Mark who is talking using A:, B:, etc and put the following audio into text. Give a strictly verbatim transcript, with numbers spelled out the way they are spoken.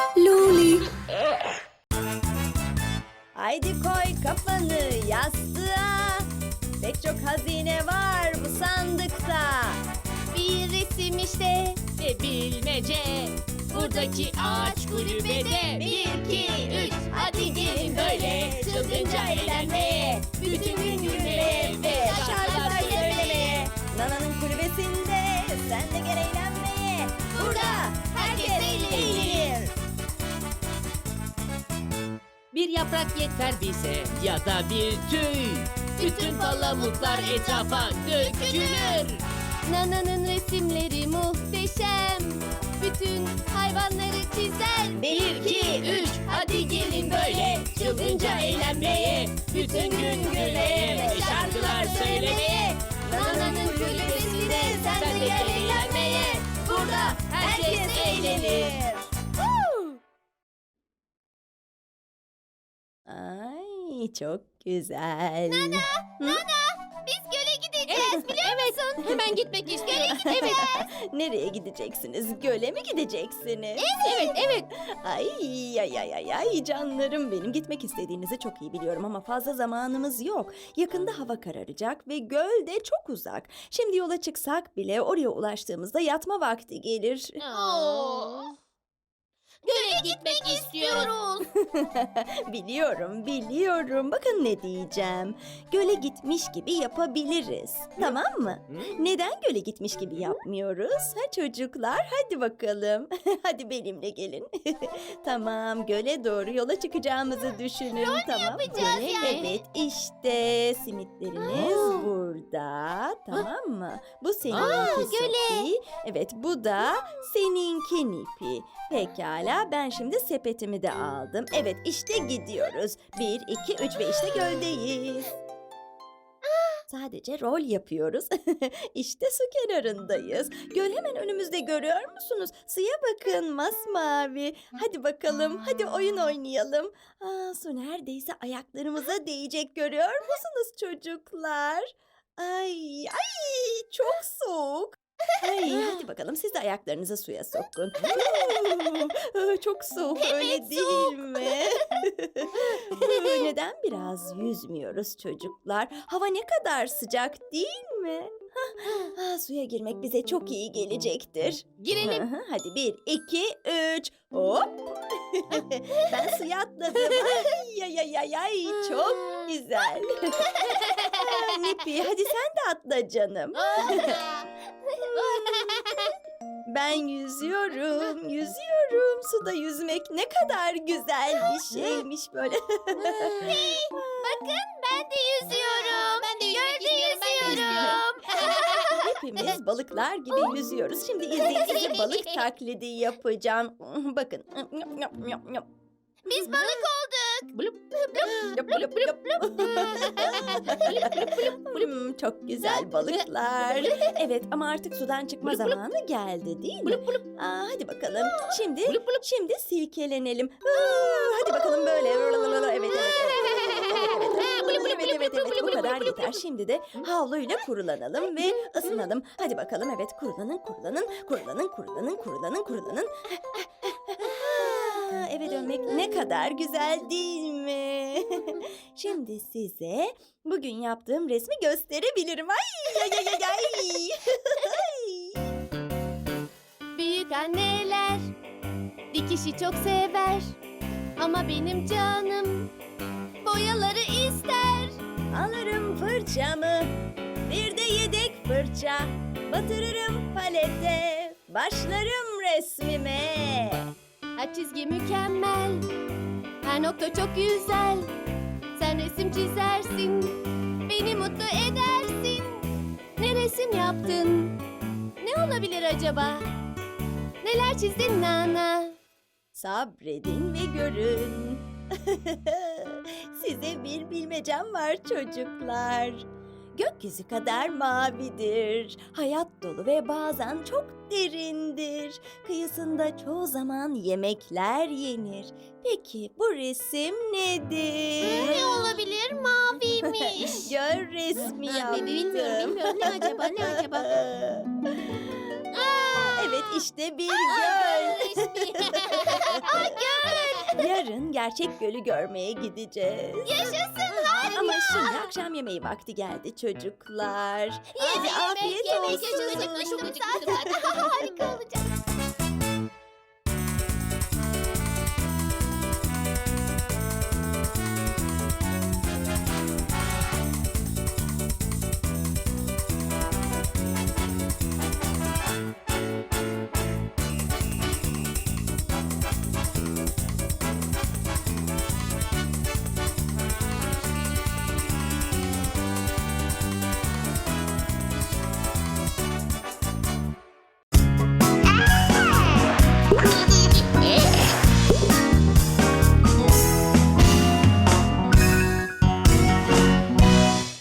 A: Loli.
B: Haydi koy kafanı yastığa. Pek çok hazine var bu sandıkta.
C: Bir resim işte
D: Ve bilmece buradaki ağaç kulübede. Bir, iki, üç, hadi gelin böyle çılgınca eğlenmeye. Bütün gün gülmeye ve şarkılar söylemeye.
B: Nana'nın kulübesinde sen de gel eğlenmeye.
D: Burada herkes eğlenir. Bir yaprak yeter bize ya da bir tüy. Bütün palamutlar etrafa dökülür.
C: Nana'nın resimleri muhteşem. Bütün hayvanları çizer.
D: Bir, iki, üç, hadi gelin böyle çılgınca eğlenmeye. Bütün gün gülmeye ve şarkılar söylemeye.
C: Nana'nın kulübesinde sen de gel eğlenmeye.
D: Burada herkes eğlenir.
B: Ay çok güzel.
C: Biz göle gideceğiz biliyor musun?
D: Hemen gitmek istiyorum. Evet,
B: Nereye gideceksiniz? Göle mi gideceksiniz?
D: evet, evet.
B: Ay ay ay ay ay canlarım benim gitmek istediğinizi çok iyi biliyorum ama fazla zamanımız yok. Yakında hava kararacak ve göl de çok uzak. Şimdi yola çıksak bile oraya ulaştığımızda yatma vakti gelir.
D: Aa. Göle gitmek istiyoruz.
B: Biliyorum, biliyorum. Bakın ne diyeceğim. Göle gitmiş gibi yapabiliriz. Tamam mı? Neden göle gitmiş gibi yapmıyoruz? Ha çocuklar, hadi bakalım. Hadi benimle gelin. Tamam, göle doğru yola çıkacağımızı düşünün. Tamam.
C: yapacağız
B: Göle-
C: yani.
B: Evet, işte simitleriniz burada. Tamam mı? Bu seninki Sophie. Evet, bu da seninki Nipi. Pekala, ben şimdi sepetimi de aldım. Evet, işte gidiyoruz. Bir, iki, üç ve işte göldeyiz. Sadece rol yapıyoruz. İşte su kenarındayız. Göl hemen önümüzde, görüyor musunuz? Suya bakın, masmavi. Hadi bakalım, hadi oyun oynayalım. Aa, su neredeyse ayaklarımıza değecek, görüyor musunuz çocuklar? Ay, ay çok soğuk. Ay, hadi bakalım siz de ayaklarınızı suya sokun. Aa, çok soğuk, öyle değil mi? Neden biraz yüzmüyoruz çocuklar? Hava ne kadar sıcak değil mi? Hah, ah, suya girmek bize çok iyi gelecektir.
D: Girelim.
B: Hı hı, hadi bir, iki, üç. Hop. Ben suya atladım. Ay ay ay ay ay, çok güzel. Aa, Nipi, hadi sen de atla canım. Ben yüzüyorum, yüzüyorum. Suda yüzmek ne kadar güzel bir şeymiş böyle.
C: Bakın ben de yüzüyorum.
D: Ben de yüzmek
C: Gölde
D: istiyorum, ben de
C: yüzüyorum.
B: Hepimiz balıklar gibi yüzüyoruz. Şimdi izleyin, size balık taklidi yapacağım. Bakın.
C: Biz balık olduk.
B: Yap, yap, yap. Hmm, çok güzel balıklar. Evet, ama artık sudan çıkma zamanı geldi değil mi? Aa, hadi bakalım. Şimdi şimdi silkelenelim. Aa, hadi bakalım böyle. Evet, evet, evet. Evet, evet, evet, bu kadar yeter. Şimdi de havluyla kurulanalım ve ısınalım. Hadi bakalım, evet, kurulanın, kurulanın, kurulanın, kurulanın, kurulanın, kurulanın. Aa, eve dönmek ne kadar güzel değil mi? Şimdi size bugün yaptığım resmi gösterebilirim. Ay ay ay ay ay.
C: Büyük anneler dikişi çok sever. Ama benim canım boyaları ister.
B: Alırım fırçamı, bir de yedek fırça. Batırırım palete, başlarım resmime.
C: Her çizgi mükemmel. Her nokta çok güzel. Sen resim çizersin. Beni mutlu edersin. Ne resim yaptın? Ne olabilir acaba? Neler çizdin Nana?
B: Sabredin ve görün. Size bir bilmecem var çocuklar. Gökyüzü kadar mavidir. Hayat dolu ve bazen çok derindir. Kıyısında çoğu zaman yemekler yenir. Peki bu resim nedir?
C: Ne olabilir? Maviymiş.
B: Göl resmi
C: Ha,
B: yaptım.
C: bilmiyorum, bilmiyorum. Ne acaba, ne acaba?
B: Evet, işte bir göl.
C: Resmi. Ay
B: yarın gerçek gölü görmeye gideceğiz.
C: Yaşasın harika.
B: Ama şimdi akşam yemeği vakti geldi çocuklar. Hadi
C: Yemek,
B: afiyet
C: yemek
B: olsun.
C: yaşasın. Çok acıkmıştım zaten. Harika olacak.